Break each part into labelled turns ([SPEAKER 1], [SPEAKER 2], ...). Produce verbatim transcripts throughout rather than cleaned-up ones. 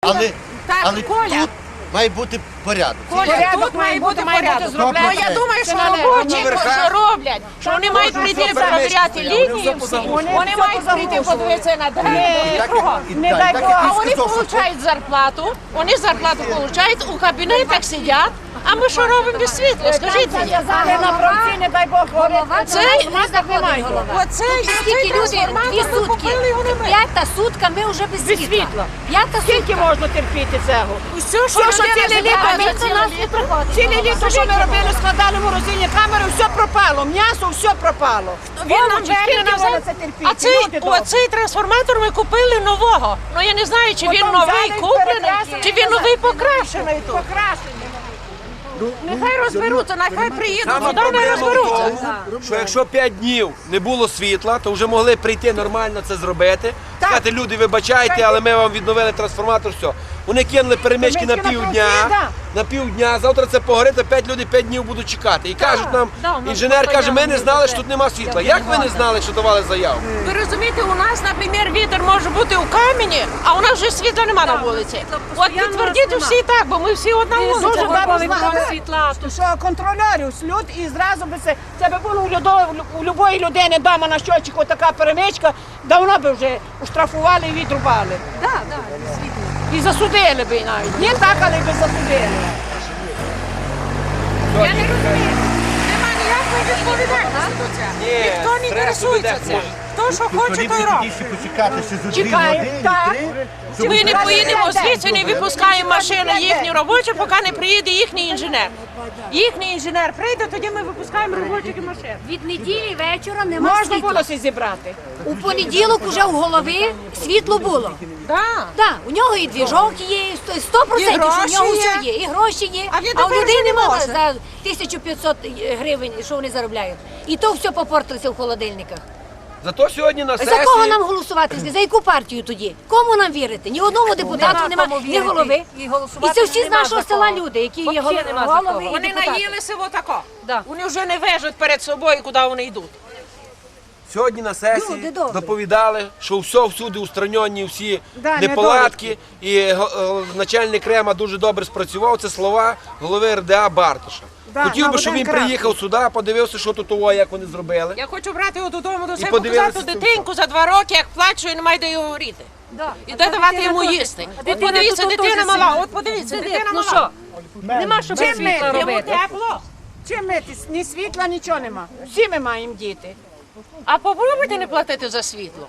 [SPEAKER 1] Але,
[SPEAKER 2] Так,
[SPEAKER 1] але
[SPEAKER 2] Коля.
[SPEAKER 1] тут має бути порядок.
[SPEAKER 2] Коля,
[SPEAKER 3] Порядок
[SPEAKER 2] тут має бути
[SPEAKER 3] має бути
[SPEAKER 2] порядок.
[SPEAKER 3] зроблено.
[SPEAKER 2] Ну, я думаю, що
[SPEAKER 3] Це не
[SPEAKER 2] робочі,
[SPEAKER 3] верха.
[SPEAKER 2] що роблять, що вони мають прийти перевіряти лінії всі, вони мають прийти подивитися на дерева, кругом.
[SPEAKER 3] Не дай
[SPEAKER 1] Так,
[SPEAKER 3] Бог.
[SPEAKER 1] як
[SPEAKER 2] А
[SPEAKER 1] він
[SPEAKER 2] вони
[SPEAKER 1] сказав, що
[SPEAKER 2] отримують зарплату, вони зарплату отримують, у кабінетах сидять, а ми що робимо без світла, скажіть мені?
[SPEAKER 3] Зав'язали на правці, не дай Бог, голова.
[SPEAKER 2] Це-
[SPEAKER 3] немає.
[SPEAKER 2] Оце,
[SPEAKER 4] Скільки люди, дві сутки, п'ята сутка, ми вже без світла. П'ята
[SPEAKER 3] Скільки
[SPEAKER 4] сутка.
[SPEAKER 3] можна терпіти цього?
[SPEAKER 2] Все, що
[SPEAKER 3] Все, що
[SPEAKER 2] людина
[SPEAKER 3] ціле літо
[SPEAKER 2] збирає,
[SPEAKER 3] ми-
[SPEAKER 4] Ніхто нас не приходить.
[SPEAKER 3] Ціле літо, що ми робили, складали в морозильні камери, все пропало, м'ясо, все пропало.
[SPEAKER 2] Він нам
[SPEAKER 3] Овочі, скільки
[SPEAKER 2] верне
[SPEAKER 3] можна
[SPEAKER 2] назад.
[SPEAKER 3] це терпіти?
[SPEAKER 2] А цей,
[SPEAKER 3] Люди добрі.
[SPEAKER 2] оцей трансформатор ми купили нового. Ну я не знаю, чи він
[SPEAKER 3] Потім
[SPEAKER 2] новий
[SPEAKER 3] взяли і
[SPEAKER 2] куплений,
[SPEAKER 3] перекрасили
[SPEAKER 2] чи він
[SPEAKER 3] назад.
[SPEAKER 2] новий покрашений тут.
[SPEAKER 3] Покрашені.
[SPEAKER 2] Нехай розберуться, нехай приїдуть
[SPEAKER 5] Сама
[SPEAKER 2] сюди, не
[SPEAKER 5] проблема в
[SPEAKER 2] розберуться.
[SPEAKER 5] тому, що якщо п'ять днів не було світла, то вже могли прийти нормально це зробити. Сказати, люди, вибачайте, але ми вам відновили трансформатор, все. Вони кинули перемички на
[SPEAKER 3] Перемички на
[SPEAKER 5] півдня,
[SPEAKER 3] півдня.
[SPEAKER 5] на півдня, завтра це погорить, а п'ять людей п'ять днів будуть чекати. І кажуть нам,
[SPEAKER 2] да, у нас
[SPEAKER 5] інженер
[SPEAKER 2] тут
[SPEAKER 5] каже, ми не
[SPEAKER 2] заяву
[SPEAKER 5] знали,
[SPEAKER 2] не
[SPEAKER 5] що тут нема світла. Як ви не знали, що давали заяву?
[SPEAKER 2] Ви розумієте, у нас, наприклад, вітер може бути у камені, а у нас вже світла нема на вулиці. От підтвердіть всі так, бо ми всі одна
[SPEAKER 3] Дуже
[SPEAKER 2] вулиця.
[SPEAKER 3] добре знали, що контролерів слід і зразу би це, це би було у, людо, у любої людини вдома на щочику така перемичка, давно би вже уштрафували і відрубали.
[SPEAKER 4] Так, так, світло.
[SPEAKER 3] І засудили би навіть. Не так, але би засудили.
[SPEAKER 2] Я не розумію. Нема ніякої відповідальності до цього.
[SPEAKER 5] Ні,
[SPEAKER 2] Ніхто не
[SPEAKER 5] стресу
[SPEAKER 2] інтересується
[SPEAKER 5] видати
[SPEAKER 2] цим.
[SPEAKER 5] може.
[SPEAKER 2] Хто що хоче, той робить.
[SPEAKER 1] Ще почекати ще за дві
[SPEAKER 3] Чекаємо,
[SPEAKER 1] години,
[SPEAKER 3] так.
[SPEAKER 1] три, щоб
[SPEAKER 2] Ми не
[SPEAKER 3] Раз
[SPEAKER 2] поїдемо
[SPEAKER 3] в день.
[SPEAKER 2] звідси, не випускаємо машини їхні робочі, поки не приїде їхній інженер. Їхній інженер прийде, тоді ми випускаємо робочих машин.
[SPEAKER 4] Від неділі вечора нема
[SPEAKER 3] Можна було
[SPEAKER 4] світла.
[SPEAKER 3] всі зібрати.
[SPEAKER 4] У понеділок уже у голові світло було.
[SPEAKER 2] Да.
[SPEAKER 4] Так, у нього і двіжок є, сто процентів, що у
[SPEAKER 2] гроші
[SPEAKER 4] нього
[SPEAKER 2] є.
[SPEAKER 4] все є, і гроші є.
[SPEAKER 2] А він
[SPEAKER 4] А у
[SPEAKER 2] тепер
[SPEAKER 4] людей
[SPEAKER 2] вже не
[SPEAKER 4] немає
[SPEAKER 2] може.
[SPEAKER 4] за тисячу п'ятсот гривень, що вони заробляють. І то все попортилося в холодильниках.
[SPEAKER 5] Зато сьогодні на
[SPEAKER 4] За кого
[SPEAKER 5] сесії...
[SPEAKER 4] нам голосувати? За яку партію тоді? Кому нам вірити? Ні одному депутату немає, ні голови. І це всі з нашого села люди, які є голови. голови і
[SPEAKER 2] Вони
[SPEAKER 4] депутати.
[SPEAKER 2] наїлися отако. Вони вже не вежуть перед собою, куди вони йдуть.
[SPEAKER 5] Сьогодні на сесії
[SPEAKER 4] Люди добрі.
[SPEAKER 5] доповідали, що все всюди устранені всі
[SPEAKER 3] Да,
[SPEAKER 5] неполадки. І го- е, начальник Рема дуже добре спрацював. Це слова голови ер де а Бартоша.
[SPEAKER 3] Да,
[SPEAKER 5] Хотів
[SPEAKER 3] на
[SPEAKER 5] би, щоб
[SPEAKER 3] один
[SPEAKER 5] він
[SPEAKER 3] крапки.
[SPEAKER 5] приїхав сюди, подивився, що тут того, як вони зробили.
[SPEAKER 2] Я хочу брати його додому до себе,
[SPEAKER 5] подивилися
[SPEAKER 2] показати
[SPEAKER 5] це
[SPEAKER 2] дитинку за два роки, як плачу і немає де його горіти. І де давати йому їсти. От подивіться, дитина мала, от подивіться, дитина
[SPEAKER 4] Ну
[SPEAKER 2] мала.
[SPEAKER 4] що? Нема що без
[SPEAKER 3] Чим ми?
[SPEAKER 4] світла
[SPEAKER 2] Йому
[SPEAKER 4] робити.
[SPEAKER 2] тепло.
[SPEAKER 3] Чим ми? Ні світла, нічого нема. Всі ми маємо діти.
[SPEAKER 2] А попробуйте не платити за світло.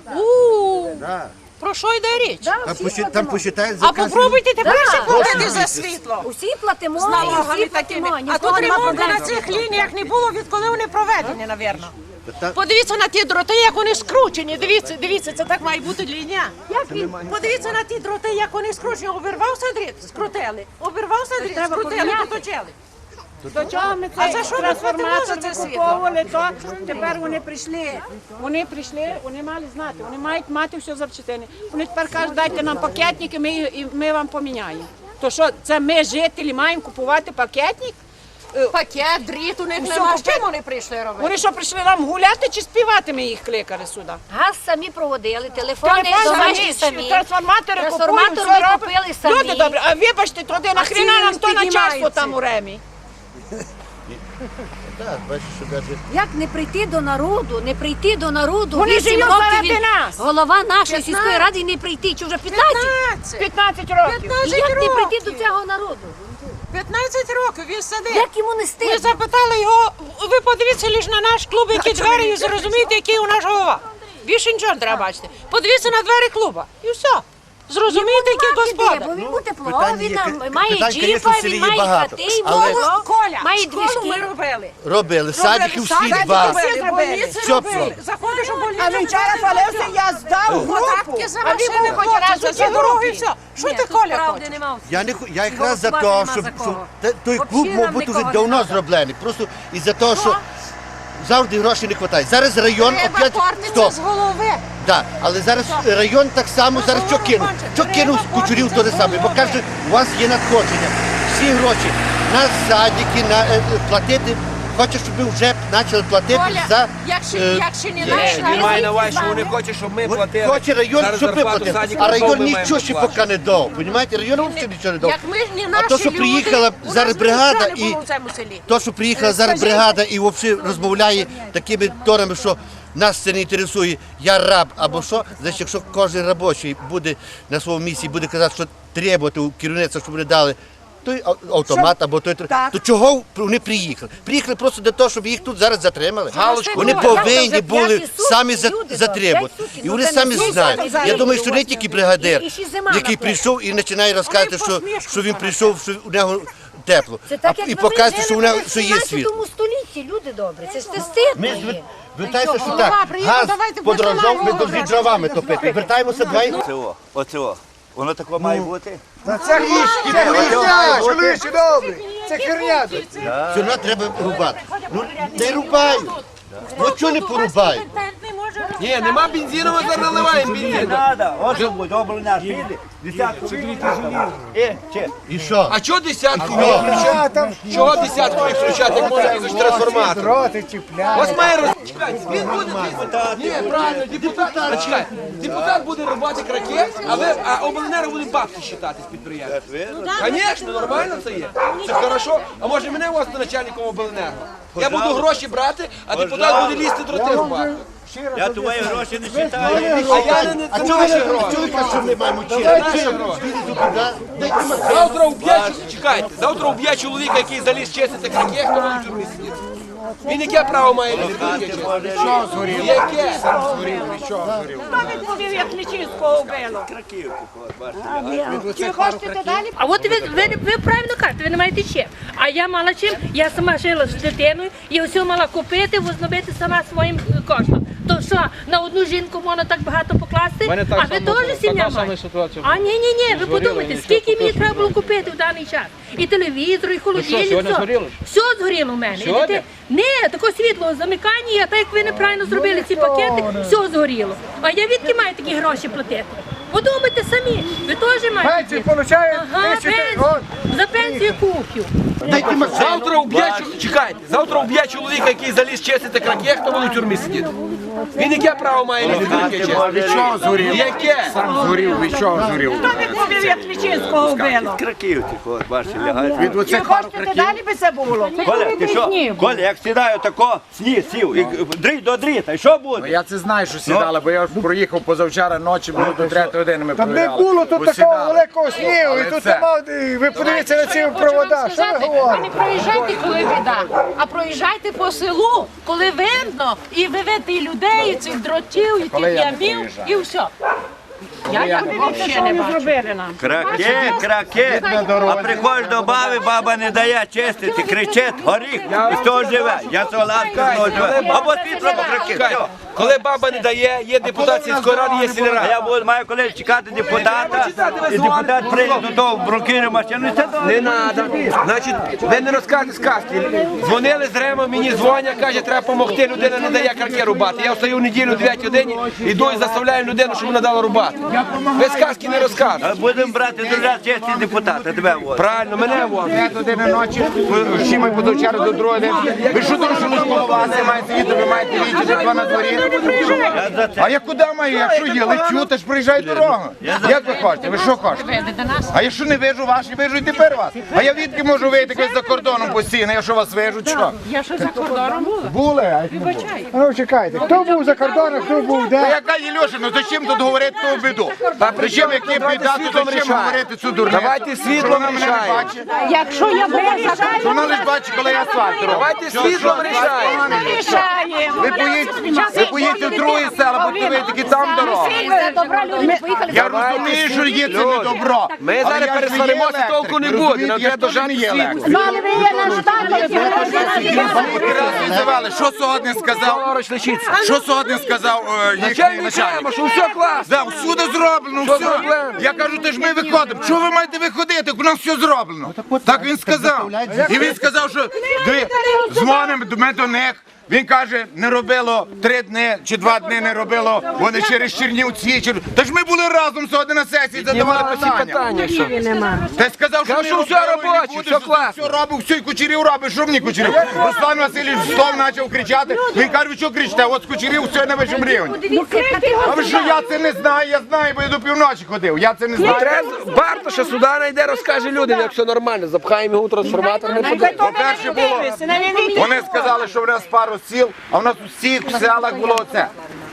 [SPEAKER 2] У,
[SPEAKER 1] Да.
[SPEAKER 2] про що йде річ?
[SPEAKER 1] А посчит- там посчитають за
[SPEAKER 2] А попробуйте тепер
[SPEAKER 4] Да.
[SPEAKER 2] ще платити за світло.
[SPEAKER 4] Усі платимо,
[SPEAKER 2] З
[SPEAKER 4] і
[SPEAKER 2] налогами
[SPEAKER 4] всі
[SPEAKER 2] такими.
[SPEAKER 4] платимо.
[SPEAKER 2] А
[SPEAKER 4] Ніхто
[SPEAKER 2] тут
[SPEAKER 4] нема
[SPEAKER 2] ремонту
[SPEAKER 4] проблем.
[SPEAKER 2] на цих лініях не було, відколи вони проведені, напевно.
[SPEAKER 1] Та-
[SPEAKER 2] Подивіться на ті дроти, як вони скручені. Дивіться, дивіться, це так має бути лінія. Як він? Подивіться на ті дроти, як вони скручені. Обірвався дріт, скрутили. Обірвався дріт,
[SPEAKER 3] Треба
[SPEAKER 2] скрутили,
[SPEAKER 3] поміняти.
[SPEAKER 2] доточили.
[SPEAKER 3] До чого ми
[SPEAKER 2] А
[SPEAKER 3] цей
[SPEAKER 2] за що ви
[SPEAKER 3] трансформатор
[SPEAKER 2] платите за це
[SPEAKER 3] викуповували, то тепер вони прийшли. Вони прийшли, вони мали знати, вони мають мати все завчитини. Вони тепер кажуть, дайте нам пакетники, ми, і ми вам поміняємо. То що, це ми, жителі, маємо купувати пакетник?
[SPEAKER 2] Пакет, дріт у них
[SPEAKER 3] Усьо
[SPEAKER 2] нема. З
[SPEAKER 3] купити.
[SPEAKER 2] чим вони прийшли робити?
[SPEAKER 3] Вони що, прийшли нам гуляти чи співати ми їх кликали сюди?
[SPEAKER 4] Газ самі проводили, телефони
[SPEAKER 3] Телефон
[SPEAKER 4] домашні
[SPEAKER 3] самі,
[SPEAKER 4] самі.
[SPEAKER 3] трансформатори
[SPEAKER 4] Трансформатор
[SPEAKER 3] купують,
[SPEAKER 4] ми
[SPEAKER 3] все
[SPEAKER 4] купили
[SPEAKER 3] робимо.
[SPEAKER 4] самі.
[SPEAKER 3] Люди добрі, а вибачте, туди нахріна
[SPEAKER 4] ціни
[SPEAKER 3] нам то начальство
[SPEAKER 4] піднімаються.
[SPEAKER 3] там у Ремі.
[SPEAKER 1] Так, бачиш, що навіть
[SPEAKER 4] Як не прийти до народу, не прийти до народу,
[SPEAKER 3] Вони
[SPEAKER 4] вісім
[SPEAKER 3] живуть
[SPEAKER 4] років
[SPEAKER 3] заради
[SPEAKER 4] він
[SPEAKER 3] нас.
[SPEAKER 4] голова нашої
[SPEAKER 2] п'ятнадцять.
[SPEAKER 4] сільської ради і не прийти, чи вже п'ятнадцять?
[SPEAKER 2] п'ятнадцять.
[SPEAKER 3] п'ятнадцять років.
[SPEAKER 4] І
[SPEAKER 2] п'ятнадцять
[SPEAKER 4] як не прийти
[SPEAKER 2] років.
[SPEAKER 4] до цього народу?
[SPEAKER 2] п'ятнадцять років він сидить.
[SPEAKER 4] Як йому не
[SPEAKER 2] Ми
[SPEAKER 4] стидно?
[SPEAKER 2] запитали його, ви подивіться лише на наш клуб, які двері, і зрозумієте, який у нас голова. Більше нічого не треба бачити. Подивіться на двері клуба. І все. Зрозумієте, який
[SPEAKER 4] Нема
[SPEAKER 2] господар.
[SPEAKER 4] де, бо він буде тепло,
[SPEAKER 1] питань
[SPEAKER 4] він
[SPEAKER 1] є,
[SPEAKER 4] там
[SPEAKER 1] питань,
[SPEAKER 4] має
[SPEAKER 1] звісно,
[SPEAKER 4] джіпа,
[SPEAKER 1] в селі
[SPEAKER 4] він
[SPEAKER 1] є
[SPEAKER 4] має
[SPEAKER 1] багато,
[SPEAKER 4] хати, і
[SPEAKER 1] але-
[SPEAKER 4] моло,
[SPEAKER 2] Коля,
[SPEAKER 4] має
[SPEAKER 2] школу ми
[SPEAKER 4] двіжки.
[SPEAKER 2] робили.
[SPEAKER 1] робили, садики всі
[SPEAKER 2] Садики
[SPEAKER 1] два.
[SPEAKER 2] робили,
[SPEAKER 3] Всі
[SPEAKER 2] больниці
[SPEAKER 1] Все
[SPEAKER 2] робили.
[SPEAKER 1] робили.
[SPEAKER 2] Заходиш у больницю.
[SPEAKER 3] А він вчора палився, я здав групу.
[SPEAKER 2] Податки за
[SPEAKER 3] А він
[SPEAKER 2] машини
[SPEAKER 3] був хоч
[SPEAKER 2] хоче,
[SPEAKER 3] раз
[SPEAKER 2] за
[SPEAKER 3] у цій
[SPEAKER 2] дороги,
[SPEAKER 3] групі.
[SPEAKER 2] все. Що ти, Коля, хочеш?
[SPEAKER 1] Я не ху- я якраз за те, щоб, щоб те- той клуб мав бути вже давно зроблений. Просто із-за того, що завжди грошей не вистачає. Зараз район
[SPEAKER 2] Треба
[SPEAKER 1] опять
[SPEAKER 2] кормитися
[SPEAKER 1] стоп.
[SPEAKER 2] з голови.
[SPEAKER 1] Да, але зараз район так само зараз що кинув. Що кинув з кучурів то те саме, бо каже, у вас є надходження. Всі гроші на садики, на е, платити хоче, щоб ми вже почали платити
[SPEAKER 3] Коля,
[SPEAKER 1] за...
[SPEAKER 3] якщо,
[SPEAKER 1] е,
[SPEAKER 3] якщо не
[SPEAKER 5] Ні,
[SPEAKER 3] наш
[SPEAKER 5] він має на увазі, що вони хочуть, щоб ми платили.
[SPEAKER 1] Хоче район,
[SPEAKER 5] Зараз
[SPEAKER 1] щоб ми
[SPEAKER 5] зарплату
[SPEAKER 1] платили,
[SPEAKER 5] садикам
[SPEAKER 1] а район
[SPEAKER 5] ми маємо
[SPEAKER 1] нічого ще
[SPEAKER 5] платити.
[SPEAKER 1] поки не дав. Понімаєте, район взагалі нічого не дав.
[SPEAKER 3] Як ми ж не
[SPEAKER 1] А
[SPEAKER 3] наші
[SPEAKER 1] то, що
[SPEAKER 3] люди,
[SPEAKER 1] приїхала
[SPEAKER 3] у нас
[SPEAKER 1] зараз бригада
[SPEAKER 3] нічого не
[SPEAKER 1] і
[SPEAKER 3] було в цьому селі.
[SPEAKER 1] то, що приїхала зараз бригада і взагалі розмовляє такими тонами, що нас це не інтересує, я раб або що, значить, якщо кожен робочий буде на своєму місці і буде казати, що требувати у керівництва, щоб вони дали той ау- автомат або той, то чого вони приїхали? Приїхали просто для того, щоб їх тут зараз затримали.
[SPEAKER 5] Галочку.
[SPEAKER 1] Вони
[SPEAKER 4] Ну,
[SPEAKER 1] повинні
[SPEAKER 4] вже
[SPEAKER 1] були
[SPEAKER 4] п'яті сутки,
[SPEAKER 1] самі за-
[SPEAKER 4] люди,
[SPEAKER 1] затребувати.
[SPEAKER 4] п'ять суток,
[SPEAKER 1] І
[SPEAKER 4] ну,
[SPEAKER 1] вони
[SPEAKER 4] це не
[SPEAKER 1] самі
[SPEAKER 4] всі
[SPEAKER 1] знають.
[SPEAKER 4] зараз
[SPEAKER 1] Я думаю, що не тільки бригадир,
[SPEAKER 4] І ще зима
[SPEAKER 1] який
[SPEAKER 4] напроти.
[SPEAKER 1] прийшов і починає розказувати, що,
[SPEAKER 3] посмішку
[SPEAKER 1] що він
[SPEAKER 3] зараз.
[SPEAKER 1] прийшов, що у нього тепло.
[SPEAKER 4] Це так,
[SPEAKER 1] А-
[SPEAKER 4] як
[SPEAKER 1] і
[SPEAKER 4] ми
[SPEAKER 1] показує,
[SPEAKER 4] жили
[SPEAKER 1] що у
[SPEAKER 4] в
[SPEAKER 1] нього що є світ.
[SPEAKER 4] сімнадцятому столітті, люди добрі. Це ж це стидно
[SPEAKER 1] Ми
[SPEAKER 4] є.
[SPEAKER 1] звер- Вертаємося, що
[SPEAKER 3] Голова
[SPEAKER 1] так,
[SPEAKER 3] приїхав,
[SPEAKER 1] газ
[SPEAKER 3] давайте
[SPEAKER 1] подорожав, ми
[SPEAKER 3] будемо
[SPEAKER 1] повинні дровами топити. Вертаємося, давай.
[SPEAKER 6] Оце о, оце о. Воно таке має бути.
[SPEAKER 7] Це річки, це херня, чоловіче добрий. Це херня.
[SPEAKER 1] Все одно треба рубати. Ну, не рубають. Ну, чого не порубають?
[SPEAKER 5] Ні, нема бензину, ми зараз наливаємо бензин.
[SPEAKER 6] Треба, оце буде, обленер піде, десятку Е, чи?
[SPEAKER 1] І що?
[SPEAKER 5] А чого десятку?
[SPEAKER 7] А там
[SPEAKER 5] Чого десятку не включати, як можна якийсь трансформатор?
[SPEAKER 7] дроти чіпляють.
[SPEAKER 5] Ось має роз... Чекайте, він буде... Ні, правильно, депутат... А, чекай, депутат буде рубати кракет, а, ви... а обленерго буде бабки считати з підприємства. Звісно, нормально це є. Це хорошо. А може мене у вас начальником обленерго? Я буду гроші брати, а депутат буде лізти дроти рубати.
[SPEAKER 6] Я твої гроші не читаю.
[SPEAKER 5] А я не... Це наші гроші.
[SPEAKER 1] Чоловіка, що ми маємо
[SPEAKER 5] Це
[SPEAKER 1] вчити?
[SPEAKER 5] наші гроші. Завтра вб'є, чекайте, завтра вб'є чоловіка, який заліз чистити кракет, хто буде в тюрмі сидіти. Він яке право має лізти до кракет? Що згорів? Яке?
[SPEAKER 3] Хто відповів, як Лічинського вбило?
[SPEAKER 4] Чи хочете далі?
[SPEAKER 8] А от ви, ви, ви правильно кажете, ви не маєте чим. А я мала чим, я сама жила з дитиною, і все мала купити, возновити сама своїм е, коштом. То що, на одну жінку можна так багато покласти, а ви теж сім'я маєте? А ні, ні, ні, ви подумайте, скільки мені треба було купити в даний час. І телевізор, і холодильник, все. Все згоріло в мене. І дити- Ні, таке світло замикання, а так як ви неправильно зробили ці пакети, все згоріло. А я відки маю такі гроші платити? Подумайте самі, ви теж маєте.
[SPEAKER 7] Пенсію получають
[SPEAKER 8] Ага,
[SPEAKER 7] тисячу.
[SPEAKER 8] пенсію. За пенсію куплю.
[SPEAKER 1] Дайте машину.
[SPEAKER 5] Завтра вб'є, чо- чекайте, завтра вб'є чоловіка, який заліз чистити кракет, хто буде в тюрмі сидіти. Він яке право має лізти до кракет чистити?
[SPEAKER 7] Що згорів?
[SPEAKER 5] Яке?
[SPEAKER 7] Згорів, від чого згорів?
[SPEAKER 3] Хто відповів, як Лічинського вбило?
[SPEAKER 6] Краків тих, бачите, лягають.
[SPEAKER 7] Від
[SPEAKER 3] Чи
[SPEAKER 7] оцих пару
[SPEAKER 3] хочете
[SPEAKER 7] краків.
[SPEAKER 3] далі би це було?
[SPEAKER 6] Коля, ти що? Коля, як сідаю тако, сніг сів, і дрій до дріта, і що буде?
[SPEAKER 7] Я це знаю, що сідали, бо я ж проїхав позавчора ночі, було до третьої години ми
[SPEAKER 9] Та не
[SPEAKER 7] провіряли.
[SPEAKER 9] було тут
[SPEAKER 7] Бо
[SPEAKER 9] такого
[SPEAKER 7] сідали.
[SPEAKER 9] великого снігу,
[SPEAKER 7] Але
[SPEAKER 9] і тут
[SPEAKER 7] це-
[SPEAKER 9] нема, і ви подивіться на ці провода, що ви
[SPEAKER 2] А не
[SPEAKER 9] говорите?
[SPEAKER 2] проїжджайте, коли біда, а проїжджайте по селу, коли видно, і ви видите і людей, і цих дротів, і
[SPEAKER 7] Коли
[SPEAKER 2] тих
[SPEAKER 7] я не
[SPEAKER 2] ямів,
[SPEAKER 7] проїжджаю?
[SPEAKER 2] і все. Я як взагалі не бачу.
[SPEAKER 3] Зробили нам.
[SPEAKER 6] Краке, краке. А приходиш до баби, баба не дає чистити, кричить, горіх, і з того живе. Я солодка, з того живе. Або світло, або краке.
[SPEAKER 5] Чекайте,
[SPEAKER 6] Все.
[SPEAKER 5] коли баба не дає, є депутат сільської ради, є
[SPEAKER 6] А
[SPEAKER 5] сільрада.
[SPEAKER 6] я буду, маю коли чекати депутата, і депутат прийде до того в брукіру машину, і це
[SPEAKER 5] Не треба. Значить, ви не розказуєте сказки. Дзвонили з Ремо, мені дзвонять, каже, треба допомогти, людина не дає карки рубати. Я встаю в неділю о дев'ятій годині, іду і заставляю людину, щоб вона дала рубати. Ви сказки не розказуєте.
[SPEAKER 6] Будемо брати до нас честі депутата, тебе вот.
[SPEAKER 5] Правильно, мене вон.
[SPEAKER 7] П'ять години ночі, всі ми позавчора до другої години. Ви що думаєте, що ми коло вас, ви маєте їти, ви маєте їти, житла на дворі? А я куди маю? Якщо є, лечу, то ж приїжджаю дорогу. Як ви хочете? Ви що хочете? А якщо не вижу вас, і вижу і тепер вас. А я відки можу вийти якось за кордоном постійно, якщо вас вижу, чи що?
[SPEAKER 3] Я що за кордоном була?
[SPEAKER 7] Були, а як не було.
[SPEAKER 9] А ну чекайте, хто був за кордоном, хто був
[SPEAKER 7] Та
[SPEAKER 9] де?
[SPEAKER 7] яка Єльоша, ну зачем тут говорити ту біду? Зачем, як є біда, то зачем говорити цю дурницю?
[SPEAKER 5] Давайте світлом
[SPEAKER 7] Вона мене не
[SPEAKER 5] рішаємо.
[SPEAKER 7] бачить.
[SPEAKER 3] Якщо я була за
[SPEAKER 7] Що вона лише бачить, коли я асфальт роблю.
[SPEAKER 5] Давайте світлом рішаємо.
[SPEAKER 3] рішаємо.
[SPEAKER 7] Ви поїдете, ви поїдете в друге село, бо ви такі там дорога.
[SPEAKER 4] Це добра люди не поїхали.
[SPEAKER 7] Я розумію, що є це не добро.
[SPEAKER 5] Ми
[SPEAKER 7] Але
[SPEAKER 5] зараз
[SPEAKER 7] я ж не є
[SPEAKER 5] пересваримося,
[SPEAKER 7] електрик,
[SPEAKER 5] толку не
[SPEAKER 7] ви
[SPEAKER 5] буде.
[SPEAKER 7] розумієте,
[SPEAKER 5] Нам
[SPEAKER 7] я
[SPEAKER 5] треба
[SPEAKER 7] теж не
[SPEAKER 5] дожати
[SPEAKER 7] є
[SPEAKER 5] світло.
[SPEAKER 7] електрик.
[SPEAKER 3] Мали ви є наш
[SPEAKER 7] Скільки раз визивали, що сьогодні сказав?
[SPEAKER 5] Лаврович лишиться.
[SPEAKER 7] Що сьогодні сказав е, їхній
[SPEAKER 5] Начальник
[SPEAKER 7] начальник?
[SPEAKER 5] кажемо, що все класно.
[SPEAKER 7] Да, всюди зроблено,
[SPEAKER 5] Що
[SPEAKER 7] все.
[SPEAKER 5] зроблено?
[SPEAKER 7] Я кажу, ти ж ми виходимо. Чого ви маєте виходити? У нас все зроблено. Так він сказав. І він сказав, що диви, дзвонимо ми до них. Він каже, не робило три дні чи два дні не робило, вони через Чернівці. Чер... Та ж ми були разом сьогодні на сесії, задавали питання.
[SPEAKER 5] питання, що?
[SPEAKER 7] Ти сказав, що
[SPEAKER 5] Кажу,
[SPEAKER 7] не
[SPEAKER 5] що
[SPEAKER 7] робили,
[SPEAKER 5] все робоче,
[SPEAKER 7] не буде,
[SPEAKER 5] все
[SPEAKER 7] що
[SPEAKER 5] класно.
[SPEAKER 7] Все робив, все, і Кучерів робить, що мені Кучерів? Руслан Васильович знов почав кричати, він каже, ви що кричите, от з Кучерів все на вищому рівні. А ви що, я це не знаю, я знаю, бо я до півночі ходив, я це не знаю.
[SPEAKER 5] Треба, Бартоша сюди найде, розкаже людям, як все нормально, запхаємо його у трансформатор. не туди.
[SPEAKER 7] По-перше було, вони сказали, що в нас пару сіл, а в нас у всіх селах було оце.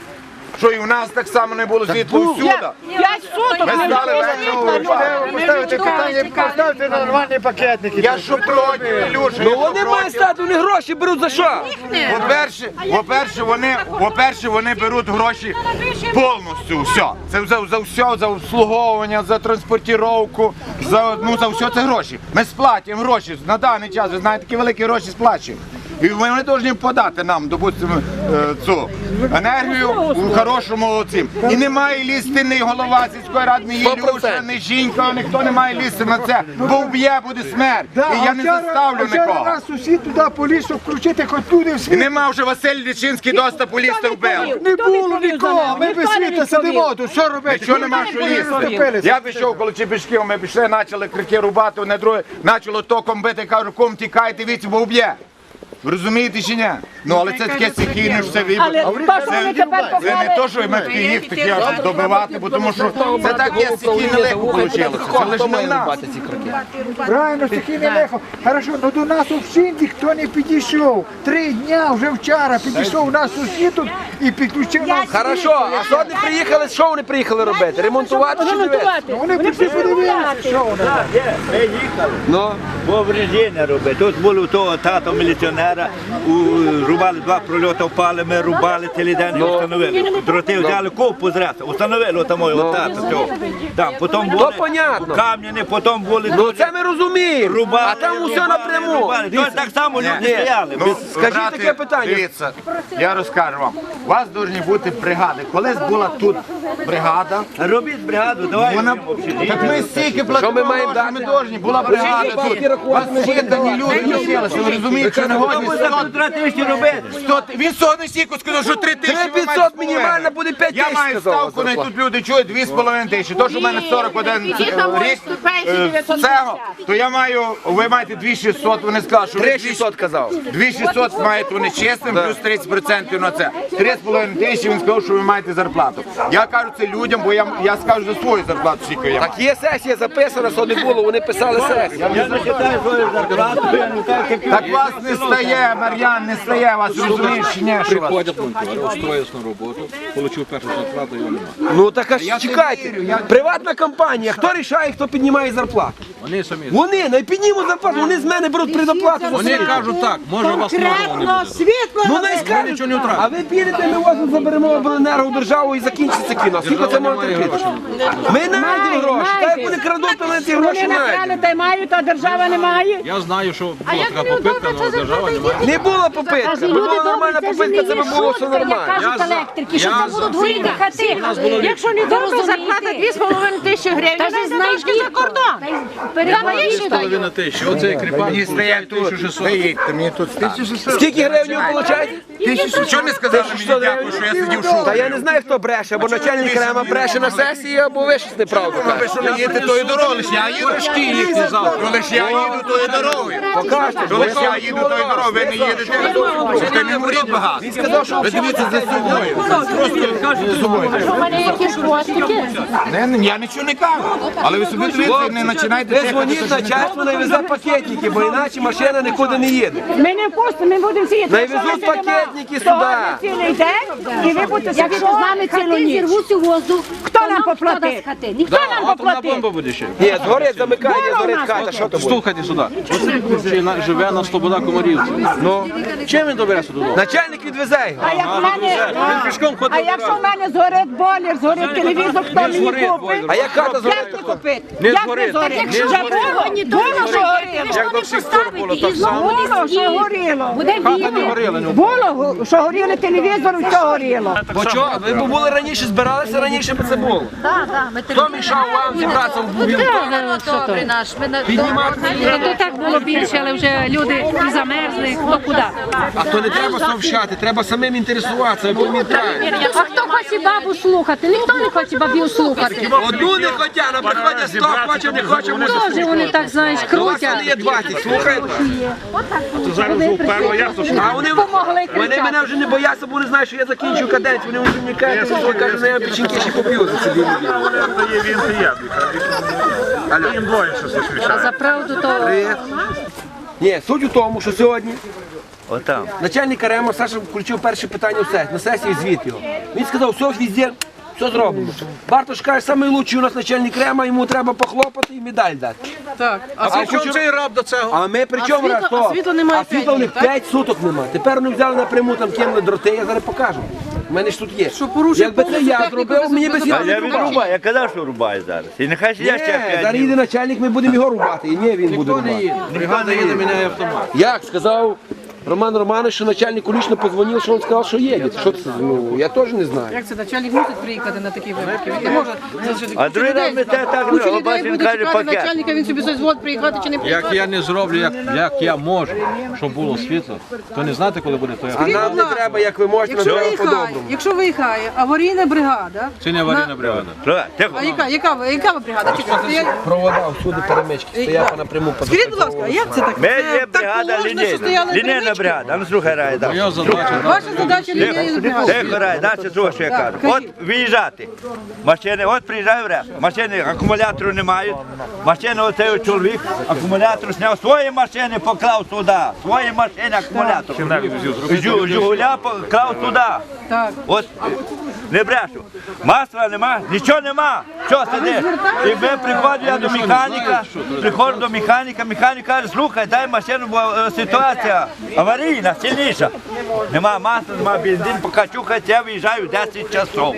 [SPEAKER 7] Що і в нас так само не було світла всюди.
[SPEAKER 3] П'ять суток
[SPEAKER 7] Ми
[SPEAKER 3] не
[SPEAKER 7] стали
[SPEAKER 3] було
[SPEAKER 7] вечором
[SPEAKER 3] світла.
[SPEAKER 7] врубати.
[SPEAKER 9] Поставити питання, поставити нормальні пакетники.
[SPEAKER 7] Я що проти, Ілюша, я
[SPEAKER 5] Ну
[SPEAKER 7] що
[SPEAKER 5] вони мають
[SPEAKER 7] проти.
[SPEAKER 5] стати, вони гроші беруть за що?
[SPEAKER 7] По-перше, по-перше, вони, по-перше, вони беруть гроші повністю, все. Це за, за все, за обслуговування, за транспортировку, за, ну, за все це гроші. Ми сплатимо гроші на даний час, ви знаєте, такі великі гроші сплачуємо. І вони повинні подати нам, допустимо, е, цю енергію у хорошому цим. І не має лізти ні голова сільської ради, ні
[SPEAKER 5] Сто
[SPEAKER 7] Ілюша,
[SPEAKER 5] процентів.
[SPEAKER 7] ні жінка, ніхто не має лізти на це. Бо вб'є, буде смерть. І я не заставлю
[SPEAKER 9] Вчора
[SPEAKER 7] нікого.
[SPEAKER 9] нас сусід туди поліз, щоб включити хоч туди
[SPEAKER 7] І
[SPEAKER 9] всі.
[SPEAKER 7] нема вже Василь Лічинський доступу лізти вбив.
[SPEAKER 9] Не було нікого, ми без світа сидимо тут, що робити?
[SPEAKER 7] Що нема що лізти? Я пішов коло Чепішків, ми пішли, почали крики рубати, одне друге, почало током бити, кажу, ком тікайте, віці, бо вб'є. Ви розумієте чи ні? Ну, але це таке стихійне ж все
[SPEAKER 3] Але
[SPEAKER 7] вибір.
[SPEAKER 3] то, що вони тепер
[SPEAKER 7] Це не то, що ми такі їх такі аж добивати, бо тому що це таке стихійне легко вийшло. Це лише не в нас.
[SPEAKER 9] Правильно, стихійне лихо. Хорошо, ну до нас взагалі ніхто не підійшов. Три дня вже вчора підійшов наш сусід тут і підключив нас.
[SPEAKER 5] Хорошо, а що вони приїхали, що вони приїхали робити? Ремонтувати чи дивитися?
[SPEAKER 9] Ну, вони прийшли подивитися, що вони.
[SPEAKER 6] Ми їхали.
[SPEAKER 5] Ну,
[SPEAKER 6] Бо врежіння робить. Тут було того тато міліціонера, у- рубали два прольоти, впали, ми рубали цілий день і встановили. Дроти взяли ковпу зразу, встановили там мого тата цього. Там, потім були
[SPEAKER 5] понятно.
[SPEAKER 6] кам'яні, потім були
[SPEAKER 5] ну це ми розуміємо,
[SPEAKER 6] рубали,
[SPEAKER 5] а там усе
[SPEAKER 6] рубали,
[SPEAKER 5] напряму.
[SPEAKER 6] рубали. Тут так само люди стояли.
[SPEAKER 7] Ну,
[SPEAKER 6] без-
[SPEAKER 5] Скажіть
[SPEAKER 7] брати,
[SPEAKER 5] таке питання.
[SPEAKER 7] Дивіться, я розкажу вам. У вас повинні бути бригади. Колись була тут бригада.
[SPEAKER 6] Робіть бригаду, давай.
[SPEAKER 7] Вона... Так ми стільки платимо,
[SPEAKER 5] ми маємо
[SPEAKER 7] гроші, ми
[SPEAKER 5] дати?
[SPEAKER 7] повинні. Була бригада тут. У вас щитані люди носилися, ви розумієте, що не годні
[SPEAKER 6] Хто буде за півтора тисячі робити?
[SPEAKER 7] сто. Він сьогодні стільки сказав, що три тисячі. ви маєте
[SPEAKER 5] п'ятсот
[SPEAKER 7] з половиною.
[SPEAKER 5] мінімальна буде п'ять
[SPEAKER 7] Я
[SPEAKER 5] тисяч,
[SPEAKER 7] маю
[SPEAKER 5] сказав,
[SPEAKER 7] ставку, на
[SPEAKER 5] зарплата.
[SPEAKER 7] тут люди чують дві з половиною тисячі. То, що в мене сорок один рік, е, цього, то я маю, ви маєте дві шістсот, вони сказали, що ви
[SPEAKER 5] Три
[SPEAKER 7] дві
[SPEAKER 5] шістсот казав.
[SPEAKER 7] дві шістсот маєте вони чесним, плюс тридцять відсотків на це. три з половиною тисячі, він сказав, що ви маєте зарплату. Я кажу це людям, бо я, я скажу за свою зарплату, скільки я маю.
[SPEAKER 5] Так є сесія записана, що не було, вони писали сесію.
[SPEAKER 6] Я зачитаю свою зарплату, я не так, як
[SPEAKER 7] Так вас не стає, Мар'ян, не стає, вас розумієш, чи ні, що вас?
[SPEAKER 10] Приходять монтери, устроїлись на роботу, отримав першу зарплату, його немає.
[SPEAKER 5] Ну так а ж
[SPEAKER 7] Я
[SPEAKER 5] чекайте,
[SPEAKER 7] не вірю, я-
[SPEAKER 5] приватна компанія, хто рішає, хто піднімає зарплату?
[SPEAKER 10] Вони самі.
[SPEAKER 5] Вони, не піднімуть зарплату, вони з мене беруть предоплату за
[SPEAKER 10] Вони
[SPEAKER 5] свою.
[SPEAKER 10] кажуть так, може у вас мало не буде.
[SPEAKER 3] світло.
[SPEAKER 5] Ну не скажуть,
[SPEAKER 10] нічого не втратили.
[SPEAKER 5] а ви підете, ми вас заберемо обленерго державу і закінчиться кіно. Скільки це може терпіти? Ми знайдемо гроші, та як вони крадуть, то вони ці гроші
[SPEAKER 3] Вони накрали
[SPEAKER 5] знайдемо.
[SPEAKER 3] та й мають, а держава не має.
[SPEAKER 10] Я знаю, що була така попитка, але держава не має.
[SPEAKER 5] Не було попитки, якби була нормальна попитка, це б було все нормально.
[SPEAKER 4] Кажуть електрики, що
[SPEAKER 10] я
[SPEAKER 4] це будуть горіти хати.
[SPEAKER 3] Якщо не добре, зарплата дві з половиною тисячі гривень,
[SPEAKER 4] Та ж
[SPEAKER 3] дайте трошки за кордон.
[SPEAKER 10] Дві половини тисячі, оцей кріпак,
[SPEAKER 7] Мені стає тут, стоїть, мені тут стане.
[SPEAKER 5] Скільки гривень ви получаєте?
[SPEAKER 7] Чого не сказали мені дякую, що я сидів шукав?
[SPEAKER 5] Та я не знаю, хто бреше, або начальник Рема бреше на сесії, або ви щось неправду
[SPEAKER 7] Ви
[SPEAKER 5] кажете.
[SPEAKER 7] що не їдете тою дорогою, лише я їду. Коли ж я їду тою дорогою. Коли ж я їду тою дорогою, ви не їдете. Це не говоріть багато. Він сказав, що ви дивіться за собою. Просто за собою.
[SPEAKER 3] У мене якісь хвостики.
[SPEAKER 7] Не, не, я нічого не кажу. Але ви собі дивіться, не починайте
[SPEAKER 5] Ви
[SPEAKER 7] тихати,
[SPEAKER 5] дзвоніть
[SPEAKER 7] що ж не
[SPEAKER 5] начальству, навезе пакетники, бо іначе машина нікуди не їде.
[SPEAKER 3] Ми не впустимо, ми будемо сидіти.
[SPEAKER 5] Навезуть пакетники сюди.
[SPEAKER 3] Цілий день, і ви будете сидіти з нами цілу
[SPEAKER 4] Хати
[SPEAKER 3] ніч.
[SPEAKER 4] зірвуться в воздух.
[SPEAKER 3] Хто нам
[SPEAKER 4] Хто
[SPEAKER 3] поплатить?
[SPEAKER 4] дасть хати? Ніхто
[SPEAKER 3] Хто нам
[SPEAKER 10] атомна
[SPEAKER 3] поплатить?
[SPEAKER 10] бомба буде ще.
[SPEAKER 5] Ні, згорить замикання, згорить хата, що то буде?
[SPEAKER 10] Слухайте сюди. Оцей на- живе на Слобода Комарівці. Ну, чим він добереться додому?
[SPEAKER 5] Начальник відвезе його.
[SPEAKER 3] А як в мене,
[SPEAKER 10] Він пішком ходить.
[SPEAKER 3] а якщо в мене згорить бойлер, згорить телевізор, хто мені
[SPEAKER 10] згорить
[SPEAKER 3] купить?
[SPEAKER 10] бойлер.
[SPEAKER 5] А як хата
[SPEAKER 3] Як
[SPEAKER 5] згорить?
[SPEAKER 3] не купити?
[SPEAKER 10] Не
[SPEAKER 3] Як не
[SPEAKER 10] згорить.
[SPEAKER 3] згорить?
[SPEAKER 4] Якщо
[SPEAKER 3] Вже було, було, що горіло.
[SPEAKER 4] Як до всіх пор було так само.
[SPEAKER 3] Було, що горіло.
[SPEAKER 4] Буде
[SPEAKER 10] Хата не
[SPEAKER 4] бігти.
[SPEAKER 10] горіла. ну.
[SPEAKER 3] Було, що горіли телевізор, все горіло.
[SPEAKER 5] Бо чого? Ви б були раніше, збиралися раніше, б це було.
[SPEAKER 4] Так, так, ми
[SPEAKER 5] Хто мішав вам зібратися в бубів?
[SPEAKER 4] добрий наш. Ми на-
[SPEAKER 5] Піднімати.
[SPEAKER 8] Та то так було більше, але вже люди і замерзли, хто куди.
[SPEAKER 5] А то не треба совщати, треба самим інтересуватися, ви пам'ятаєте.
[SPEAKER 8] А хто хоче бабу слухати? Ніхто не хоче бабів слухати.
[SPEAKER 5] Одну не хотя, на приходять сто, хоче, не хоче, може
[SPEAKER 8] Теж
[SPEAKER 5] слухати.
[SPEAKER 8] вони так, знаєш,
[SPEAKER 5] У вас
[SPEAKER 8] крутять.
[SPEAKER 5] вони є двадцять, слухаєте?
[SPEAKER 10] Зараз вже вперто ясно, що
[SPEAKER 5] А вони, вони мене вже не бояться, бо вони знають, що я закінчу каденцію. Вони вже мені кажуть, що кажуть, що я печінки ще поп'ю за ці дві неділі.
[SPEAKER 10] дає він і я. Їм двоє щось
[SPEAKER 8] А
[SPEAKER 10] вирішає.
[SPEAKER 8] за правду то
[SPEAKER 5] Ні, суть у тому, що сьогодні
[SPEAKER 6] Отам.
[SPEAKER 5] начальник РЕМО Саша включив перше питання в сесії, на сесії звіт його. Він сказав, все везде, все зроблено. Бартош каже, найкращий у нас начальник РЕМа, йому треба похлопати і медаль дати.
[SPEAKER 10] Так, а при чому цей раб до цього?
[SPEAKER 5] А ми при чому раз то? А світла немає. А світла у них п'ять суток немає. Тепер вони взяли напряму, там кинули дроти, я зараз покажу. У мене ж тут є. Якби це я зробив, мені би
[SPEAKER 6] А
[SPEAKER 5] світло
[SPEAKER 6] я
[SPEAKER 5] не рубав.
[SPEAKER 6] відрубаю, я казав, що рубаю зараз. І нехай ще я ще
[SPEAKER 5] Ні,
[SPEAKER 6] п'ять
[SPEAKER 5] зараз їде
[SPEAKER 6] днів.
[SPEAKER 5] начальник, ми будемо його рубати. І ні, він буде рубати.
[SPEAKER 10] Бригада їде, міняє автомат.
[SPEAKER 5] Як сказав Роман Романович, що начальнику лично позвонив, що він сказав, що їде. Що це? Ну, я теж не знаю.
[SPEAKER 11] Як це начальник мусить приїхати на такі випадки? Він не може залишити.
[SPEAKER 6] А другий раз ми те так
[SPEAKER 11] Куча
[SPEAKER 6] робимо,
[SPEAKER 11] людей
[SPEAKER 6] бачиш, він
[SPEAKER 11] буде
[SPEAKER 6] каже
[SPEAKER 11] чекати
[SPEAKER 6] пакет.
[SPEAKER 11] начальника, він собі дозволить приїхати чи не
[SPEAKER 10] Як
[SPEAKER 11] приїхати.
[SPEAKER 10] я не зроблю, як, як я можу, щоб було світло, то не знати, коли буде, то
[SPEAKER 5] А
[SPEAKER 10] я.
[SPEAKER 5] нам не треба, як ви можете, нам
[SPEAKER 11] Якщо
[SPEAKER 5] треба
[SPEAKER 11] виїхає,
[SPEAKER 5] по-доброму.
[SPEAKER 11] якщо виїхає аварійна бригада,
[SPEAKER 10] Це не аварійна бригада.
[SPEAKER 6] Що? Тихо.
[SPEAKER 11] а яка, яка, ви- яка ви бригада? Чекайте, я-
[SPEAKER 5] Провода всюди перемички, стоять напряму по
[SPEAKER 11] Скажіть, будь ласка, а як це так?
[SPEAKER 6] Ми
[SPEAKER 11] Це
[SPEAKER 6] є
[SPEAKER 11] так
[SPEAKER 6] бригада
[SPEAKER 11] положено, що
[SPEAKER 6] лінійна.
[SPEAKER 11] стояли
[SPEAKER 6] Лінійна
[SPEAKER 11] перемички?
[SPEAKER 6] бригада. А ну слухай, Рай, да.
[SPEAKER 10] Моя задача.
[SPEAKER 11] Ваша задача лінійна бригада.
[SPEAKER 6] Тихо, Рай, далі слухай, що я кажу. От виїжджати. Машини, от приїжджаю в РЕС. Машини акумулятору не мають. Машини оцей чоловік акумулятор зняв свої машини, поклав сюди. Свої машини акумулятор. Жу- Жигуля поклав сюди.
[SPEAKER 11] Так.
[SPEAKER 6] От не брешу. Масла нема, нічого нема. Що сидиш? І ми приходимо я до механіка, приходжу до механіка, механік каже, слухай, дай машину, бо е, ситуація аварійна, сильніша. Нема масла, нема бензин, поки чухається, я виїжджаю в десять часов.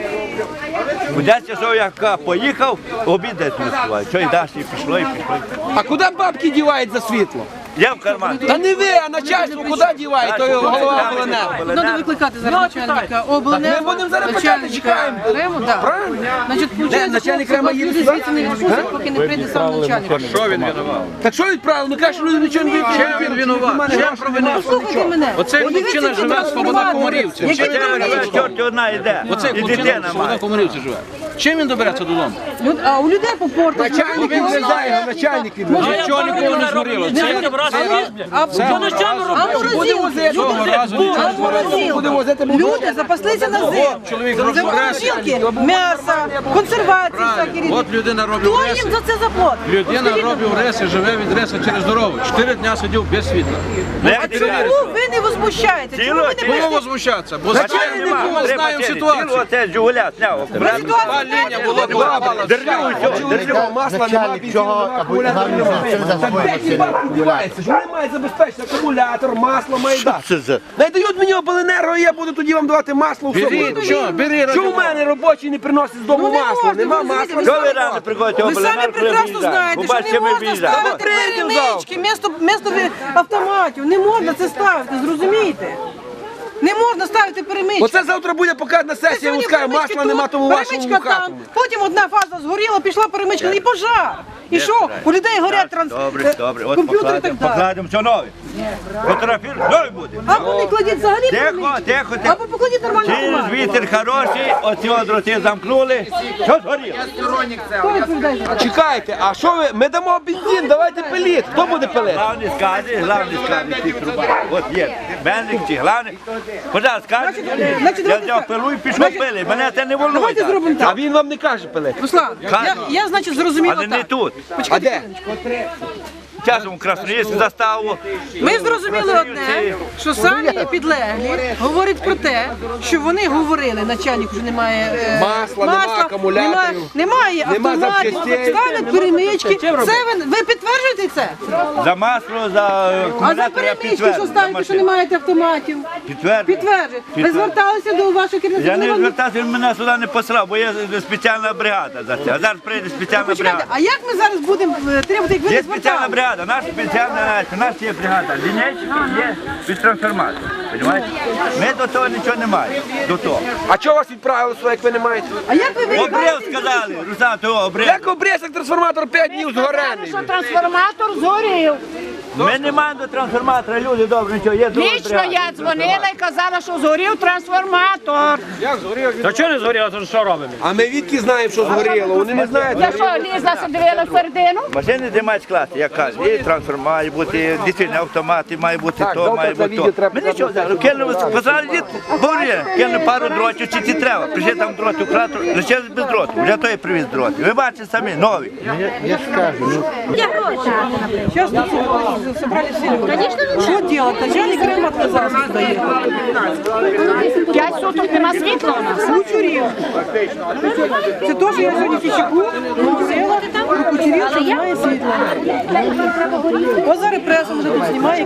[SPEAKER 6] У десять часов я ка- поїхав, обід десь не співаю. Що і далі, і пішло, і пішло.
[SPEAKER 5] А куди бабки дівають за світло?
[SPEAKER 6] Я в карман.
[SPEAKER 5] Та не ви, а начальство куди діває, то його голова обленерго.
[SPEAKER 11] Треба викликати зараз начальника обленерго.
[SPEAKER 5] Ми будемо зараз почати, чекаємо.
[SPEAKER 11] Рему, так.
[SPEAKER 5] Правильно?
[SPEAKER 11] Значить, виходить,
[SPEAKER 5] начальник
[SPEAKER 11] хлопці,
[SPEAKER 5] Рема їде
[SPEAKER 11] люди
[SPEAKER 5] сюди?
[SPEAKER 11] звідси не відпустять, поки не прийде сам начальник.
[SPEAKER 10] Що він винував?
[SPEAKER 5] Так що відправили? Ну каже, що люди нічого не
[SPEAKER 10] Чим він винуват? Чим провинився?
[SPEAKER 11] Слухайте мене.
[SPEAKER 10] Оцей хлопчина живе в Слобода Комарівці. Чим він добереться?
[SPEAKER 6] Чорт одна йде.
[SPEAKER 10] Оцей
[SPEAKER 6] І
[SPEAKER 10] хлопчина
[SPEAKER 6] дитина
[SPEAKER 10] в Слобода
[SPEAKER 6] має.
[SPEAKER 10] Комарівці живе. Чим він добереться додому?
[SPEAKER 11] Люд- А у людей по порту.
[SPEAKER 5] Начальник відвезає, його начальник відвезає.
[SPEAKER 10] Нічого ніколи не згоріло. Це
[SPEAKER 11] А
[SPEAKER 5] Буде возити.
[SPEAKER 10] цього разу нічого не згоріло.
[SPEAKER 5] Буде возити.
[SPEAKER 11] люди запаслися на зиму.
[SPEAKER 10] Чоловік робив рес.
[SPEAKER 11] М'ясо, консервації всякі різні.
[SPEAKER 10] От людина робить
[SPEAKER 11] Хто
[SPEAKER 10] рес.
[SPEAKER 11] їм за це заплатить?
[SPEAKER 10] Людина робив рес і живе від реса через дорогу. Чотири дня сидів без світла.
[SPEAKER 6] Як
[SPEAKER 11] А
[SPEAKER 6] ти
[SPEAKER 11] чому
[SPEAKER 6] кажеш?
[SPEAKER 11] ви не возмущаєте? Чому ви не
[SPEAKER 10] Чому
[SPEAKER 11] прийшли?
[SPEAKER 10] возмущатися? Бо
[SPEAKER 6] Машини
[SPEAKER 10] звичайно
[SPEAKER 6] нема,
[SPEAKER 10] ми
[SPEAKER 6] три
[SPEAKER 10] знаємо
[SPEAKER 6] машини.
[SPEAKER 10] ситуацію.
[SPEAKER 6] Цілу оце Жигуля зняв.
[SPEAKER 11] Ви ситуацію
[SPEAKER 10] Та лінія
[SPEAKER 11] знаєте,
[SPEAKER 10] була
[SPEAKER 11] коли
[SPEAKER 10] два.
[SPEAKER 6] Держу, все, держу.
[SPEAKER 5] Масла нема,
[SPEAKER 1] Начальник цього
[SPEAKER 5] акумулятор нема. Так де ті бабки діваються? Ж вони мають забезпечити акумулятор, масло має дати.
[SPEAKER 1] Це за
[SPEAKER 5] Найдають мені обленерго, і я буду тоді вам давати масло в
[SPEAKER 10] Бери,
[SPEAKER 5] суботу.
[SPEAKER 10] що, бери.
[SPEAKER 5] Що в мене робочий не приносить з дому
[SPEAKER 11] Ну, не
[SPEAKER 5] масло?
[SPEAKER 11] можна,
[SPEAKER 5] Нема
[SPEAKER 11] ви
[SPEAKER 5] масла.
[SPEAKER 11] розумієте,
[SPEAKER 6] Що ви рано приходите?
[SPEAKER 11] Ви самі прекрасно знаєте, що не можна ставити перемички місто, місто автоматів. Не можна це ставити, зрозумієте? Не можна ставити перемички.
[SPEAKER 5] Оце завтра буде показати на сесії, я вам скажу, масла нема, тому вашому
[SPEAKER 11] перемичка там,
[SPEAKER 5] хату.
[SPEAKER 11] потім одна фаза згоріла, пішла перемичка і пожар. І що? У людей горять транс...
[SPEAKER 6] Добре, добре. От
[SPEAKER 11] комп'ютери і так
[SPEAKER 6] покладемо,
[SPEAKER 11] далі.
[SPEAKER 6] покладемо, що нове. Фотографір, новий буде.
[SPEAKER 11] Або не кладіть взагалі
[SPEAKER 6] Тихо,
[SPEAKER 11] перемички,
[SPEAKER 6] тихо, тихо.
[SPEAKER 11] або покладіть нормальну
[SPEAKER 6] Через
[SPEAKER 11] бумагу.
[SPEAKER 6] вітер хороший, оці от дроти замкнули. Що згоріло?
[SPEAKER 11] Хто відповідає за це?
[SPEAKER 5] Чекайте, а що ви? Ми дамо бензин, давайте пиліт. Хто буде пилити?
[SPEAKER 6] Главний скаже, главний скаже, всі труба. От є, менник чи главний. Пожалуйста, скажи.
[SPEAKER 11] значить,
[SPEAKER 6] Я
[SPEAKER 11] давайте
[SPEAKER 6] взяв
[SPEAKER 11] так.
[SPEAKER 6] пилу і пішов
[SPEAKER 11] Значить,
[SPEAKER 6] пили. Мене це не волнує.
[SPEAKER 11] Давайте зробимо
[SPEAKER 5] А
[SPEAKER 11] так.
[SPEAKER 5] він вам не каже пилити.
[SPEAKER 11] Руслан, я, я значить, зрозуміла
[SPEAKER 6] Але не
[SPEAKER 11] так.
[SPEAKER 6] тут.
[SPEAKER 5] А де?
[SPEAKER 6] часом Красноїльську заставу.
[SPEAKER 11] Ми зрозуміли одне, що самі підлеглі говорять про те, що вони говорили, начальник вже немає е,
[SPEAKER 5] Масла, нема акумуляторів,
[SPEAKER 11] немає, немає
[SPEAKER 5] нема
[SPEAKER 11] автоматів,
[SPEAKER 5] запчастей.
[SPEAKER 11] ставлять перемички. Це ви, ви підтверджуєте це?
[SPEAKER 6] За масло, за
[SPEAKER 11] А за
[SPEAKER 6] акумулятор я
[SPEAKER 11] перемички, що
[SPEAKER 6] підтверджую.
[SPEAKER 11] ставите, що не маєте автоматів?
[SPEAKER 6] Підтверджую.
[SPEAKER 11] Підтверджуєте. Ви
[SPEAKER 6] Підтверджую.
[SPEAKER 11] зверталися до вашого керівника?
[SPEAKER 6] Я не
[SPEAKER 11] Вони вам-
[SPEAKER 6] звертався, він мене сюди не послав, бо є спеціальна бригада за це. А зараз прийде спеціальна
[SPEAKER 11] Почекайте,
[SPEAKER 6] бригада.
[SPEAKER 11] а як ми зараз будемо е, требувати, як ви
[SPEAKER 6] Є
[SPEAKER 11] не
[SPEAKER 6] спеціальна
[SPEAKER 11] зверталися?
[SPEAKER 6] бригада, наша спеціальна, у нас є бригада. Лінейчика є під трансформатор. Понімаєте? Ми до того нічого не маємо. До того.
[SPEAKER 5] А чого вас відправили сюди, як ви не маєте?
[SPEAKER 11] А як ви
[SPEAKER 6] Обрив
[SPEAKER 11] виїжджаєте?
[SPEAKER 6] сказали, Руслан, того обрив.
[SPEAKER 5] Як обрізок трансформатор п'ять днів згорений?
[SPEAKER 3] Що трансформатор згорів.
[SPEAKER 6] Ми не маємо до трансформатора, люди добре, нічого, є друга
[SPEAKER 3] Лічно
[SPEAKER 6] бригада.
[SPEAKER 3] я дзвонила і казала, що згорів трансформатор.
[SPEAKER 10] Та чого не згоріло, то що робимо?
[SPEAKER 5] А ми відки знаємо, що згоріло? Вони не знають.
[SPEAKER 3] Я що, лізла, се дивила всередину?
[SPEAKER 6] Машини де мають класи, як кажуть, і трансформатор має бути, дійсно автомати, має бути
[SPEAKER 5] Так,
[SPEAKER 6] то,
[SPEAKER 5] завтра
[SPEAKER 6] має
[SPEAKER 5] це
[SPEAKER 6] бути
[SPEAKER 5] відео
[SPEAKER 6] то.
[SPEAKER 5] треба
[SPEAKER 6] Ми нічого взяли, кинули, посадили дід, говорили, кинули пару дротів, чи ці треба. Прийшли там дроти, вкрати, лишились без дротів, вже той привіз дроти. Ви бачите самі, нові.
[SPEAKER 11] Сейчас тут собрали все люди. Что делать? Начальник Крым отказался сюда ехать.
[SPEAKER 3] П'ять суток нема світла у нас.
[SPEAKER 11] Кучерів. Це теж я сьогодні фічаку взяла, про кучерів, що немає світла. Ось зараз преса вже тут знімає.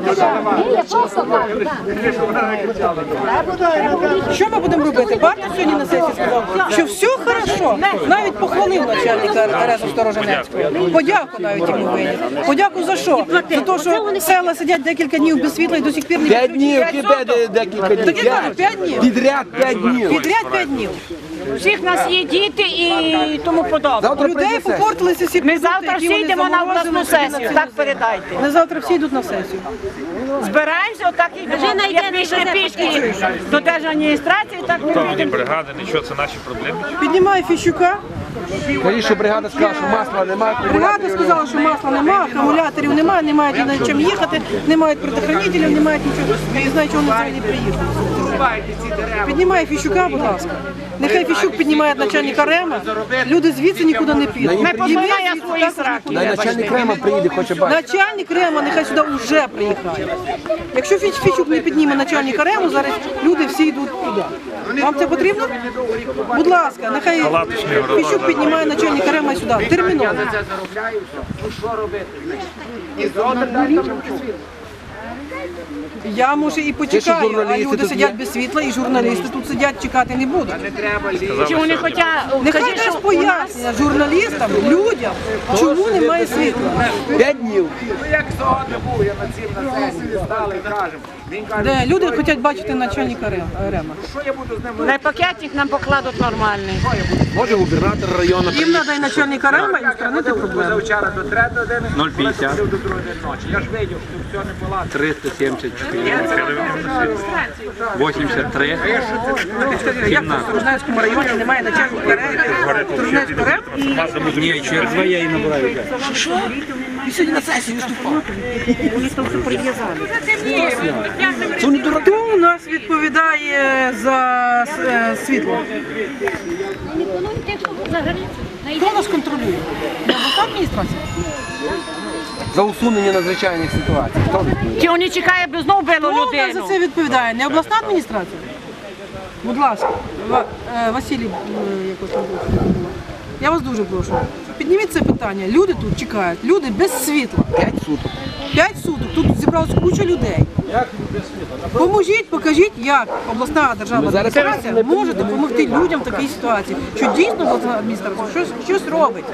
[SPEAKER 11] Що ми будемо робити? Партія сьогодні на сесії сказав, що все хорошо. Навіть похвалив начальника Тараса Стороженецького. Подяку навіть йому виніс. Подяку за що? За те, що села сидять декілька днів без світла і до сих пір не
[SPEAKER 5] П'ять днів,
[SPEAKER 11] підключені.
[SPEAKER 5] кипе декілька днів.
[SPEAKER 11] Так я кажу, п'ять днів.
[SPEAKER 5] Підряд п'ять днів.
[SPEAKER 11] Підряд п'ять днів.
[SPEAKER 3] Всіх нас є діти і тому подобне.
[SPEAKER 5] Завтра
[SPEAKER 11] Людей
[SPEAKER 5] прийде сесія.
[SPEAKER 11] попортилися всі
[SPEAKER 3] Ми
[SPEAKER 11] продукти,
[SPEAKER 3] завтра
[SPEAKER 11] які
[SPEAKER 3] всі
[SPEAKER 11] вони
[SPEAKER 3] йдемо на
[SPEAKER 11] заморозили,
[SPEAKER 3] обласну
[SPEAKER 11] всі
[SPEAKER 3] сесію,
[SPEAKER 11] на
[SPEAKER 3] так
[SPEAKER 11] це.
[SPEAKER 3] передайте.
[SPEAKER 11] Ми завтра всі йдуть на сесію.
[SPEAKER 3] Збираємося, отак і йдемо. Як пішли пішки до держадміністрації, так ми підемо.
[SPEAKER 10] Бригади, нічого, це наші проблеми.
[SPEAKER 11] Піднімає Фіщука.
[SPEAKER 5] Кажіть, що бригада сказала, що масла немає.
[SPEAKER 11] Бригада сказала, що масла немає, акумуляторів немає, не мають ні на чим їхати, не мають предохранителів, не мають нічого. Я не знаю, чого вони взагалі приїхали. Піднімає Фіщука, будь ласка. Нехай Фіщук піднімає начальника Рема. Люди звідси нікуди не підуть.
[SPEAKER 3] Не
[SPEAKER 11] І ми
[SPEAKER 3] позбавляє
[SPEAKER 11] звідси
[SPEAKER 3] свої
[SPEAKER 11] також
[SPEAKER 3] сраки.
[SPEAKER 11] нікуди не
[SPEAKER 5] Начальник Крема приїде, хоче бачити.
[SPEAKER 11] Начальник Рема нехай сюди вже приїхає. Якщо Фіч Фічук не підніме начальника Рему, зараз люди всі йдуть туди. Вам це потрібно? Будь ласка, нехай Фічук піднімає начальника Рема сюди. Терміново. Я, може, і почекаю, а
[SPEAKER 5] журналісти
[SPEAKER 11] люди
[SPEAKER 5] тут
[SPEAKER 11] сидять
[SPEAKER 5] є?
[SPEAKER 11] без світла, і журналісти тут сидять, чекати не будуть.
[SPEAKER 3] Чи вони хочуть,
[SPEAKER 11] Нехай
[SPEAKER 3] кажіть,
[SPEAKER 11] дасть
[SPEAKER 3] що
[SPEAKER 11] пояснення журналістам, людям, чому немає світла.
[SPEAKER 5] П'ять днів.
[SPEAKER 11] Де люди хочуть бачити начальника Рем- Рема.
[SPEAKER 3] на пакетик нам покладуть нормальний.
[SPEAKER 5] Може губернатор району.
[SPEAKER 11] Їм треба і начальника Рема, і устранити проблему.
[SPEAKER 10] нуль п'ятдесят. триста сімдесят чотири. вісімдесят три.
[SPEAKER 11] Як в Сторожнецькому районі немає начальника Рема, Сторожнецького Рема,
[SPEAKER 10] Ні, через два я її набираю вже.
[SPEAKER 11] і сьогодні на сесії виступав. Хто у нас відповідає за е, світло? Хто нас контролює? Обласна адміністрація?
[SPEAKER 5] За усунення надзвичайних ситуацій. Хто?
[SPEAKER 3] Чи вони чекають, бо знову било
[SPEAKER 11] Хто у нас за
[SPEAKER 3] людину?
[SPEAKER 11] це відповідає? Не обласна адміністрація? Будь ласка, Ва- е, Василій, е, якось там був. Я вас дуже прошу. Підніміть це питання. Люди тут чекають. Люди без світла.
[SPEAKER 5] П'ять суток.
[SPEAKER 11] П'ять суток. Тут зібралась куча людей. Поможіть, покажіть, як обласна державна
[SPEAKER 5] зараз
[SPEAKER 11] адміністрація може допомогти людям в такій ситуації. Що дійсно обласна адміністрація щось, щось робить.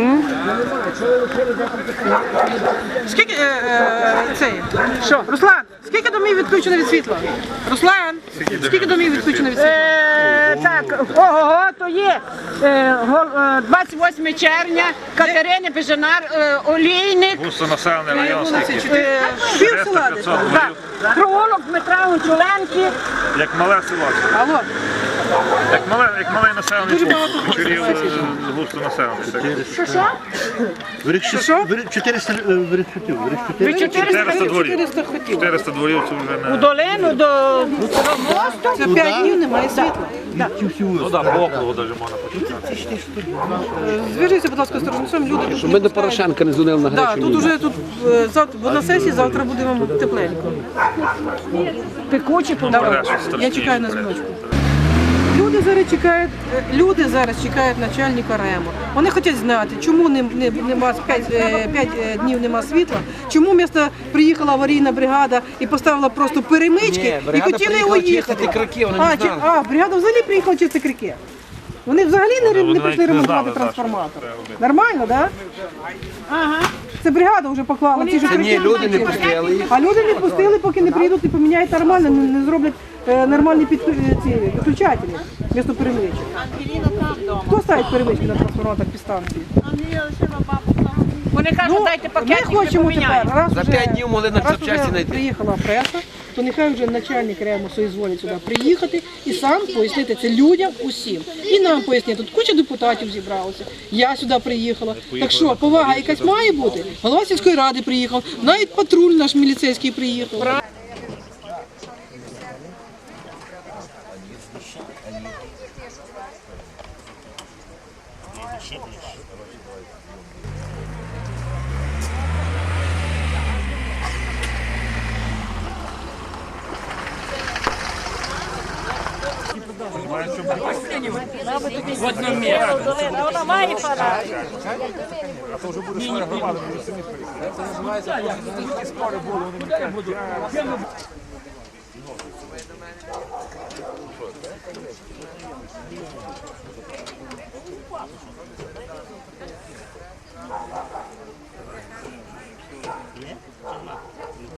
[SPEAKER 11] Скільки е, е, цей? Що? Руслан, скільки домів відключено від світла? Руслан, скільки домів відключено від світла?
[SPEAKER 3] Е, Так, ого, то є е, гол- е, двадцять восьме червня, Катерини Бежанар, е, Олійник,
[SPEAKER 10] Густонаселений район скільки?
[SPEAKER 11] Е, Пів села десь.
[SPEAKER 3] так, провулок Дмитра Гончуленки.
[SPEAKER 10] Як мале село.
[SPEAKER 11] Алло.
[SPEAKER 10] Як малий, як малий населений пункт, Чорів густо населений.
[SPEAKER 3] Що, що?
[SPEAKER 1] чотириста вирішутів.
[SPEAKER 3] Ви
[SPEAKER 10] чотириста дворів.
[SPEAKER 11] чотириста хотів.
[SPEAKER 10] чотириста дворів це вже
[SPEAKER 3] У
[SPEAKER 10] не...
[SPEAKER 3] долину до мосту.
[SPEAKER 11] За п'ять днів немає світла.
[SPEAKER 10] Ну так, по округу навіть можна почитати.
[SPEAKER 11] Зв'яжіться, будь ласка, з Торжницем, люди тут.
[SPEAKER 5] Ми до Порошенка не дзвонили на
[SPEAKER 11] Так,
[SPEAKER 5] гарячу
[SPEAKER 11] тут
[SPEAKER 5] лінію.
[SPEAKER 11] уже тут е, завтра, бо на сесії завтра буде вам тепленько.
[SPEAKER 3] Пекучі
[SPEAKER 11] Давай, я чекаю на дзвіночку. Люди зараз чекають, е, люди зараз чекають начальника РЕМО. Вони хочуть знати, чому не, не, нема п'ять днів нема світла, чому місто приїхала аварійна бригада і поставила просто перемички
[SPEAKER 5] Ні,
[SPEAKER 11] і
[SPEAKER 5] бригада
[SPEAKER 11] хотіли
[SPEAKER 5] приїхала
[SPEAKER 11] уїхати.
[SPEAKER 5] чистити крики, вони не
[SPEAKER 11] а, чи-
[SPEAKER 5] знали.
[SPEAKER 11] а, бригада взагалі приїхала чистити крики. Вони взагалі не,
[SPEAKER 10] Вони
[SPEAKER 11] не
[SPEAKER 10] навіть
[SPEAKER 11] прийшли
[SPEAKER 10] не
[SPEAKER 11] ремонтувати
[SPEAKER 10] знали,
[SPEAKER 11] трансформатор. Нормально, так? Ага. Це бригада вже поклала. Ці ж
[SPEAKER 5] Це ні,
[SPEAKER 11] крики
[SPEAKER 5] люди не
[SPEAKER 11] чистити.
[SPEAKER 5] пустили їх.
[SPEAKER 11] А люди не пустили, поки не прийдуть і поміняють нормально, не, не зроблять е, нормальні під, е, ці, підключателі вмісто перемичок. Хто ставить перемички на трансформатор під станції?
[SPEAKER 3] Вони кажуть, дайте
[SPEAKER 11] Ми
[SPEAKER 3] пакетик, ми
[SPEAKER 11] хочемо тепер,
[SPEAKER 3] поміняємо.
[SPEAKER 11] раз
[SPEAKER 5] За
[SPEAKER 11] вже,
[SPEAKER 5] п'ять днів могли на
[SPEAKER 11] раз
[SPEAKER 5] запчасті
[SPEAKER 11] вже
[SPEAKER 5] знайти.
[SPEAKER 11] приїхала преса, то нехай вже начальник РЕМО соізволить сюди приїхати і сам пояснити це людям усім. І нам пояснити, тут куча депутатів зібралося, я сюди приїхала. Так що, повага якась має бути? Голова сільської ради приїхав, навіть патруль наш міліцейський приїхав.
[SPEAKER 3] Вона має пора.